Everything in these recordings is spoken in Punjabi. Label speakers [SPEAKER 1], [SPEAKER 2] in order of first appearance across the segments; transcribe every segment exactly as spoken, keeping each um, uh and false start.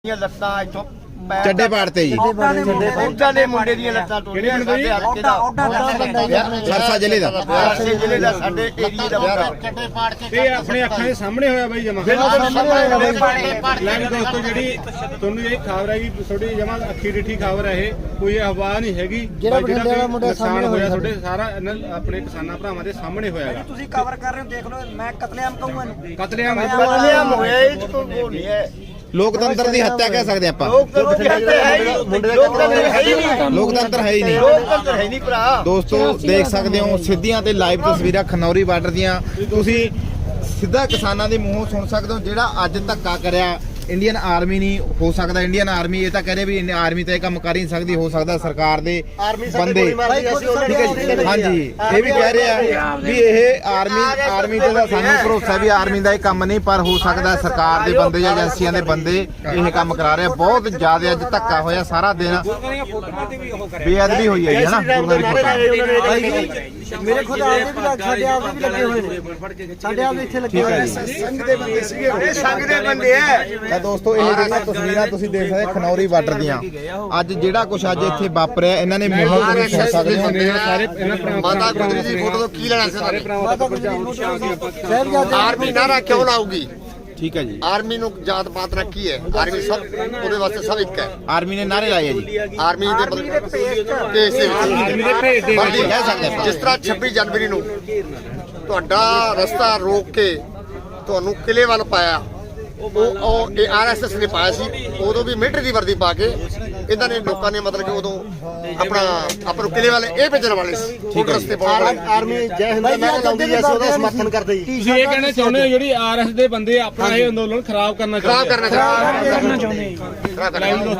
[SPEAKER 1] ਲੱਤਾਂ ਇੱਥੋਂ
[SPEAKER 2] ਚੱਡੇ ਪਾੜਤੇ ਜੀ
[SPEAKER 1] ਉਹਨਾਂ ਦੇ ਮੁੰਡੇ ਦੀਆਂ ਲੱਤਾਂ ਟੁੱਟੀਆਂ ਸਾਡੇ ਹਲਕੇ ਦਾ
[SPEAKER 2] ਸਰਸਾ ਜ਼ਿਲ੍ਹੇ ਦਾ
[SPEAKER 1] ਸਰਸੇ ਜ਼ਿਲ੍ਹੇ ਦਾ ਸਾਡੇ ਏਰੀਏ ਦਾ ਮੁੰਡਾ
[SPEAKER 3] ਚੱਡੇ ਪਾੜ ਕੇ ਇਹ ਆਪਣੇ ਅੱਖਾਂ ਦੇ ਸਾਹਮਣੇ ਹੋਇਆ ਬਾਈ ਜਮਾ ਲੈ ਦੋਸਤੋ ਜਿਹੜੀ ਤੁਹਾਨੂੰ ਇਹ ਖਬਰ ਹੈ ਕਿ ਤੁਹਾਡੀ ਜਮਾ ਅੱਖੀ ਡਿੱਠੀ ਖਬਰ ਹੈ ਇਹ ਕੋਈ ਅਫਵਾਹ ਨਹੀਂ ਹੈਗੀ ਜਿਹੜਾ ਬਠਿੰਡੇ ਦਾ ਮੁੰਡਾ ਸਾਹਮਣੇ ਹੋਇਆ ਤੁਹਾਡੇ ਸਾਰਾ ਆਪਣੇ ਕਿਸਾਨਾਂ ਭਰਾਵਾਂ ਦੇ ਸਾਹਮਣੇ ਹੋਇਆਗਾ
[SPEAKER 4] ਤੁਸੀਂ ਕਵਰ ਕਰ ਰਹੇ ਹੋ ਦੇਖ ਲਓ ਮੈਂ ਕਤਲੇਆਮ ਕਹੂੰਗਾ ਇਹਨੂੰ
[SPEAKER 3] ਕਤਲੇਆਮ
[SPEAKER 1] ਕਤਲੇਆਮ ਹੋਇਆ ਇਹ ਚ ਕੋਈ ਨਹੀਂ ਹੈ
[SPEAKER 2] ਲੋਕਤੰਤਰ ਦੀ ਹੱਤਿਆ ਕਹਿ ਸਕਦੇ ਆਪਾਂ
[SPEAKER 1] ਲੋਕਤੰਤਰ ਹੈ ਹੀ ਨਹੀਂ
[SPEAKER 2] ਲੋਕਤੰਤਰ ਹੈ ਹੀ ਨਹੀਂ
[SPEAKER 1] ਲੋਕਤੰਤਰ ਹੈ ਨਹੀਂ ਭਰਾ
[SPEAKER 2] ਦੋਸਤੋ ਦੇਖ ਸਕਦੇ ਹੋ ਸਿੱਧੀਆਂ ਤੇ ਲਾਈਵ ਤਸਵੀਰਾਂ ਖਨੌਰੀ ਬਾਰਡਰ ਦੀਆਂ ਤੁਸੀਂ ਸਿੱਧਾ ਕਿਸਾਨਾਂ ਦੇ ਮੂੰਹੋਂ ਸੁਣ ਸਕਦੇ ਹੋ ਜਿਹੜਾ ਅੱਜ ਧੱਕਾ ਕਰਿਆ ਇੰਡੀਅਨ ਆਰਮੀ ਨਹੀਂ ਹੋ ਸਕਦਾ ਇੰਡੀਅਨ ਆਰਮੀ ਇਹ ਤਾਂ ਕਹਦੇ ਵੀ ਆਰਮੀ ਤਾਂ ਇਹ ਕੰਮ ਕਰ ਹੀ ਨਹੀਂ ਸਕਦੀ ਹੋ ਸਕਦਾ ਸਰਕਾਰ ਦੇ ਬੰਦੇ ਠੀਕ ਹੈ ਜੀ ਹਾਂਜੀ ਇਹ ਵੀ ਕਹਿ ਰਹੇ ਆ ਵੀ ਇਹ ਆਰਮੀ ਆਰਮੀ ਤੇ ਤਾਂ ਸਾਨੂੰ ਭਰੋਸਾ ਵੀ ਆਰਮੀ ਦਾ ਇਹ ਕੰਮ ਨਹੀਂ ਪਰ ਹੋ ਸਕਦਾ ਸਰਕਾਰ ਦੇ ਬੰਦੇ ਜਾਂ ਏਜੰਸੀਆਂ ਦੇ ਬੰਦੇ ਇਹ ਕੰਮ ਕਰਾ ਰਹੇ ਆ ਬਹੁਤ ਜ਼ਿਆਦਾ ਅੱਜ ਧੱਕਾ ਹੋਇਆ ਸਾਰਾ ਦਿਨ ਬੇਅਦਬੀ ਹੋਈ ਹੈ ਜੀ ਹਨਾ
[SPEAKER 4] ਮੇਰੇ ਖੁਦ ਆਪਦੇ ਵੀ ਲੱਗ ਸਾਡੇ ਆਪਦੇ ਵੀ ਲੱਗੇ ਹੋਏ ਨੇ ਸਾਡੇ ਆਪਦੇ ਇੱਥੇ ਲੱਗੇ ਹੋਏ ਨੇ
[SPEAKER 1] ਸੰਘ ਦੇ ਬੰਦੇ ਸੀਗੇ ਇਹ ਸੰਘ ਦੇ ਬੰਦੇ ਐ
[SPEAKER 2] ਤਾਂ ਦੋਸਤੋ ਇਹ ਜਿਹੜੀਆਂ ਤਸਵੀਰਾਂ ਤੁਸੀਂ ਦੇਖ ਸਕਦੇ ਖਨੌਰੀ ਬਾਰਡਰ ਦੀਆਂ ਅੱਜ ਜਿਹੜਾ ਕੁਝ ਅੱਜ ਇੱਥੇ ਵਾਪਰਿਆ ਇਹਨਾਂ ਨੇ ਮੂੰਹੋਂ ਤੁਸੀਂ ਸੁਣ ਸਕਦੇ ਹੋ
[SPEAKER 3] ਸਾਰੇ ਇਹਨਾਂ ਭਰਾਵਾਂ
[SPEAKER 1] ਮਾਤਾ ਗੁਜਰੀ ਦੀ ਫੋਟੋ ਤੋਂ ਕੀ ਲੈਣਾ ਸੀ
[SPEAKER 3] ਸਾਰੇ ਭਰਾਵਾਂ ਦਾ
[SPEAKER 4] ਸਾਹਿਬਜ਼ਾਦੇ
[SPEAKER 1] ਆਰਮੀ ਨਾਰਾ ਕਿਉਂ ਲਾਊਗੀ
[SPEAKER 2] ਠੀਕ ਹੈ ਜੀ
[SPEAKER 1] ਆਰਮੀ ਨੂੰ ਜਾਤ ਪਾਤ ਨਾਲ ਕੀ ਹੈ ਆਰਮੀ ਸਭ ਉਹਦੇ ਵਾਸਤੇ ਸਭ ਇੱਕ ਹੈ
[SPEAKER 2] ਆਰਮੀ ਨੇ ਨਾਰੇ ਲਾਏ ਆ ਜੀ
[SPEAKER 1] ਆਰਮੀ ਦੇ ਦੇਸ਼ ਦੇ
[SPEAKER 3] ਆਰਮੀ ਦੇ ਭੇਜ ਦੇ
[SPEAKER 1] ਵਰਦੀ ਕਹਿ ਸਕਦੇ ਆਪਾਂ ਜਿਸ ਤਰ੍ਹਾਂ ਛੱਬੀ ਜਨਵਰੀ ਨੂੰ ਤੁਹਾਡਾ ਰਸਤਾ ਰੋਕ ਕੇ ਤੁਹਾਨੂੰ ਕਿਲੇ ਵੱਲ ਪਾਇਆ ਉਹ ਉਹ ਇਹ ਆਰਐਸਐਸ ਨੇ ਪਾਇਆ ਸੀ ਉਦੋਂ ਵੀ ਮਿਲਟਰੀ ਦੀ ਵਰਦੀ ਪਾ ਕੇ ਇਹਨਾਂ ਨੇ ਲੋਕਾਂ ਨੇ ਮਤਲਬ ਕਿ ਉਦੋਂ ਆਪਣਾ ਆਪਾਂ ਨੂੰ ਕਿਲੇ ਵਾਲੇ ਇਹ ਭੇਜਣ ਵਾਲੇ ਸੀ ਠੀਕ ਰਸਤੇ ਪਾਉਣ
[SPEAKER 4] ਆਰਮੀ ਜੈ ਹਿੰਦ ਦਾ ਲਾਉਂਦੀ ਸੀ ਅਸੀਂ ਉਹਦਾ ਸਮਰਥਨ ਕਰਦੇ ਜੀ
[SPEAKER 3] ਤੁਸੀਂ ਇਹ ਕਹਿਣਾ ਚਾਹੁੰਦੇ ਹੋ ਜਿਹੜੀ ਆਰਐਸ ਦੇ ਬੰਦੇ ਆਪਣਾ ਇਹ ਅੰਦੋਲਨ ਖਰਾਬ ਕਰਨਾ
[SPEAKER 1] ਖਰਾਬ
[SPEAKER 3] ਚਾਹੁੰਦੇ
[SPEAKER 1] ਕਰਨਾ ਚਾਹੁੰਦੇ ਖਰਾਬ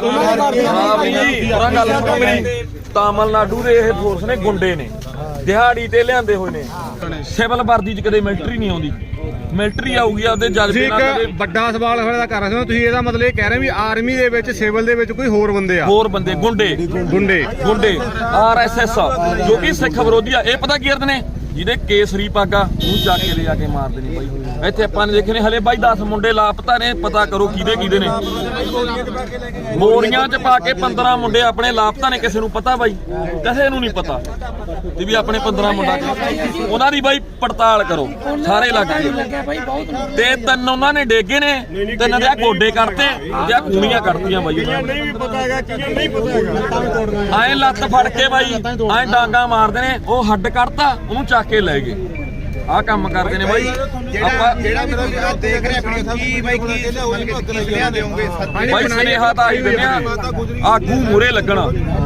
[SPEAKER 1] ਕਰਨਾ
[SPEAKER 5] ਤਾਮਿਲਨਾਡੂ ਦੇ ਇਹ ਫੋਰਸ ਨੇ ਗੁੰਡੇ ਨੇ ਦਿਹਾੜੀ ਤੇ ਲਿਆਂਦੇ ਹੋਏ ਨੇ ਸਿਵਲ ਵਰਦੀ ਚ ਕਦੇ ਮਿਲਟਰੀ ਨਹੀਂ ਆਉਂਦੀ ਮਿਲਟਰੀ ਆਊਗੀ ਆਪਦੇ
[SPEAKER 3] ਤੁਸੀਂ
[SPEAKER 5] ਜਜ਼ਬੇ ਨਾਲ
[SPEAKER 3] ਇੱਕ
[SPEAKER 5] ਕਦੇ
[SPEAKER 3] ਵੱਡਾ ਸਵਾਲ ਖੜਾ ਕਰ ਰਹੇ ਹੋ ਤੁਸੀਂ ਇਹਦਾ ਮਤਲਬ ਇਹ ਕਹਿ ਰਹੇ ਵੀ ਆਰਮੀ ਦੇ ਵਿੱਚ ਸਿਵਲ ਦੇ ਵਿੱਚ ਕੋਈ ਹੋਰ ਬੰਦੇ ਆ
[SPEAKER 5] ਹੋਰ ਬੰਦੇ ਗੁੰਡੇ
[SPEAKER 3] ਗੁੰਡੇ
[SPEAKER 5] ਗੁੰਡੇ ਆਰਐਸਐਸ ਜੋ ਕਿ ਸਿੱਖ ਵਿਰੋਧੀ ਆ ਇਹ ਪਤਾ ਕੀ ਕਰਦੇ ਨੇ ਜਿਹਦੇ ਕੇਸਰੀ ਪਾਗਾ ਉਹ ਚੱਕ ਕੇ ਲੈ ਜਾ ਕੇ ਮਾਰਦੇ ਨੇ ਬਾਈ ਇੱਥੇ ਆਪਾਂ ਨੇ ਦੇਖੇ ਨੇ ਹਲੇ ਬਾਈ ਦਸ ਮੁੰਡੇ ਲਾਪਤਾ ਨੇ ਪਤਾ ਕਰੋ ਕਿਹਦੇ ਕਿਹਦੇ ਨੇ ਬੋਰੀਆਂ 'ਚ ਪਾ ਕੇ ਪੰਦਰਾਂ ਮੁੰਡੇ ਆਪਣੇ ਲਾਪਤਾ ਨੇ ਕਿਸੇ ਨੂੰ ਪਤਾ ਬਾਈ ਕਿਸੇ ਨੂੰ ਨਹੀਂ ਪਤਾ ਤੇ ਵੀ ਆਪਣੇ ਪੰਦਰਾਂ ਮੁੰਡਾ ਉਹਨਾਂ ਦੀ ਬਾਈ ਪੜਤਾਲ ਕਰੋ ਸਾਰੇ ਲੱਗ ਗਏ ਤੇ ਤਿੰਨ ਉਹਨਾਂ ਨੇ ਡੇਗੇ ਨੇ ਤਿੰਨ ਦੇ ਗੋਡੇ ਕੱਢਤੇ ਜਾਂ ਕੂਣੀਆਂ ਕੱਢਤੀਆਂ ਬਾਈ
[SPEAKER 3] ਨਹੀਂ ਵੀ ਪਤਾ ਹੈਗਾ ਕੀ ਨਹੀਂ ਪਤਾ ਹੈਗਾ
[SPEAKER 5] ਐ ਲੱਤ ਫੜ ਕੇ ਬਾਈ ਐ ਡਾਂਗਾ ਮਾਰਦੇ ਨੇ ਉਹ ਹੱਡ ਕੱਢਤਾ ਉਹਨੂੰ ਚੱਕ ਕੇ ਲੈ ਗਏ ਆਹ ਕੰਮ ਕਰਦੇ ਨੇ ਬਾਈ ਆਪਾਂ
[SPEAKER 2] ਜਿਹੜਾ ਵੀ ਤੁਸੀਂ ਦੇਖ ਰਹੇ ਆਪਣੀ ਕੀ ਬਾਈ ਕੀ ਸੁਨੇਹਾ ਦੇਵੋਗੇ
[SPEAKER 5] ਬਾਈ ਸੁਨੇਹਾ ਤਾਂ ਆਹੀ ਦਿੰਦੇ ਆ ਆਗੂ ਮੂਰੇ ਲੱਗਣਾ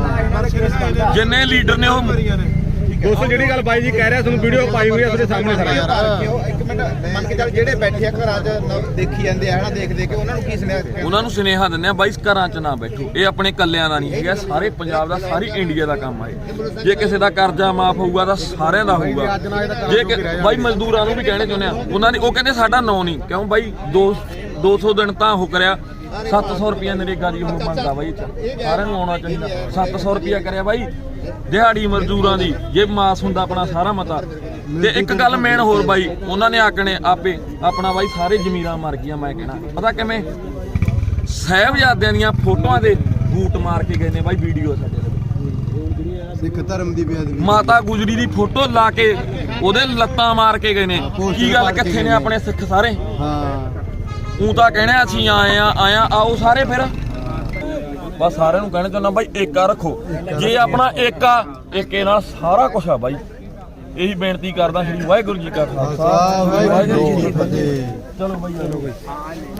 [SPEAKER 5] ਜਿੰਨੇ ਲੀਡਰ ਨੇ ਉਹ
[SPEAKER 3] ਦੋਸਤੋ ਜਿਹੜੀ ਗੱਲ ਬਾਈ ਜੀ ਕਹਿ ਰਿਹਾ ਤੁਹਾਨੂੰ ਵੀਡੀਓ ਪਾਈ ਹੋਈ ਆ ਤੁਹਾਡੇ ਸਾਹਮਣੇ ਸਾਰਾ
[SPEAKER 2] ਕਿਉਂ ਇੱਕ ਮਿੰਟ ਮੰਨ ਕੇ ਚੱਲ ਜਿਹੜੇ ਬੈਠੇ ਆ ਘਰਾਂ 'ਚ ਦੇਖੀ ਜਾਂਦੇ ਆ ਹਨਾ ਦੇਖ ਦੇਖ ਕੇ ਉਹਨਾਂ ਨੂੰ ਕੀ ਸੁਨੇਹਾ
[SPEAKER 5] ਉਹਨਾਂ ਨੂੰ ਸੁਨੇਹਾ ਦਿੰਦੇ ਆ ਬਾਈ ਘਰਾਂ 'ਚ ਨਾ ਬੈਠੋ ਇਹ ਆਪਣੇ ਕੱਲਿਆਂ ਦਾ ਨਹੀਂ ਹੈਗਾ ਸਾਰੇ ਪੰਜਾਬ ਦਾ ਸਾਰੀ ਇੰਡੀਆ ਦਾ ਕੰਮ ਆ ਇਹ ਜੇ ਕਿਸੇ ਦਾ ਕਰਜ਼ਾ ਮਾਫ ਹੋਊਗਾ ਤਾਂ ਸਾਰਿਆਂ ਦਾ ਹੋਊਗਾ ਜੇ ਕਿ ਬਾਈ ਮਜ਼ਦੂਰਾਂ ਨੂੰ ਵੀ ਕਹਿਣੇ ਚਾਹੁੰਦੇ ਆ ਉਹਨਾਂ ਨੇ ਉਹ ਕਹਿੰਦੇ ਸਾਡਾ ਨਾਂ ਨਹੀਂ ਕਿਉਂ ਬਾਈ ਦੋ ਦੋ ਸੌ ਦਿਨ ਤਾਂ ਉਹ ਕਰਿਆ ਸੱਤ ਸੌ ਰੁਪਇਆ ਨਰੇਗਾ ਦੀ ਉਹ ਮੰਗਦਾ ਬਾਈ ਸਾਰਿਆਂ ਨੂੰ ਆਉਣਾ ਚਾਹੀਦਾ ਸੱਤ ਸੌ ਰੁਪਇਆ ਕਰਿਆ ਬਾਈ ਦਿਹਾੜੀ ਮਜ਼ਦੂਰਾਂ ਦੀ ਜੇ ਮਾਸ ਹੁੰਦਾ ਆਪਣਾ ਸਾਰਾ ਮਤਾ ਤੇ ਇੱਕ ਗੱਲ ਮੇਨ ਹੋਰ ਬਾਈ ਉਹਨਾਂ ਨੇ ਆਕਣੇ ਆਪੇ ਆਪਣਾ ਬਾਈ ਸਾਰੇ ਜ਼ਮੀਰਾਂ ਮਰ ਗਈਆਂ ਮੈਂ ਕਹਿਣਾ ਪਤਾ ਕਿਵੇਂ ਸਾਹਿਬਜ਼ਾਦਿਆਂ ਦੀਆਂ ਫੋਟੋਆਂ ਦੇ ਬੂਟ ਮਾਰ ਕੇ ਗਏ ਨੇ ਬਾਈ ਵੀਡੀਓ ਸਾਡੇ
[SPEAKER 2] ਸਿੱਖ ਧਰਮ ਦੀ ਬੇਅਦਬੀ
[SPEAKER 5] ਮਾਤਾ ਗੁਜਰੀ ਦੀ ਫੋਟੋ ਲਾ ਕੇ ਉਹਦੇ ਲੱਤਾਂ ਮਾਰ ਕੇ ਗਏ ਨੇ ਕੀ ਗੱਲ ਕਿੱਥੇ ਨੇ ਆਪਣੇ ਸਿੱਖ ਸਾਰੇ
[SPEAKER 2] ਹਾਂ
[SPEAKER 5] ਉਹ ਤਾਂ ਕਹਿਣਾ ਅਸੀਂ ਆਏ ਆ ਆਇਆ ਆਓ ਸਾਰੇ ਫਿਰ ਬਸ ਸਾਰਿਆਂ ਨੂੰ ਕਹਿਣਾ ਚਾਹੁੰਦਾ ਬਾਈ ਏਕਾ ਰੱਖੋ ਜੇ ਆਪਣਾ ਏਕਾ ਏਕੇ ਨਾਲ ਸਾਰਾ ਕੁਝ ਆ ਬਾਈ ਇਹੀ ਬੇਨਤੀ ਕਰਦਾ ਸ਼੍ਰੀ ਵਾਹਿਗੁਰੂ ਜੀ ਕਾ ਖਾਲਸਾ ਵਾਹਿਗੁਰੂ ਜੀ ਕੀ ਫਤਿਹ ਚਲੋ ਬਾਈ ਚਲੋ ਬਾਈ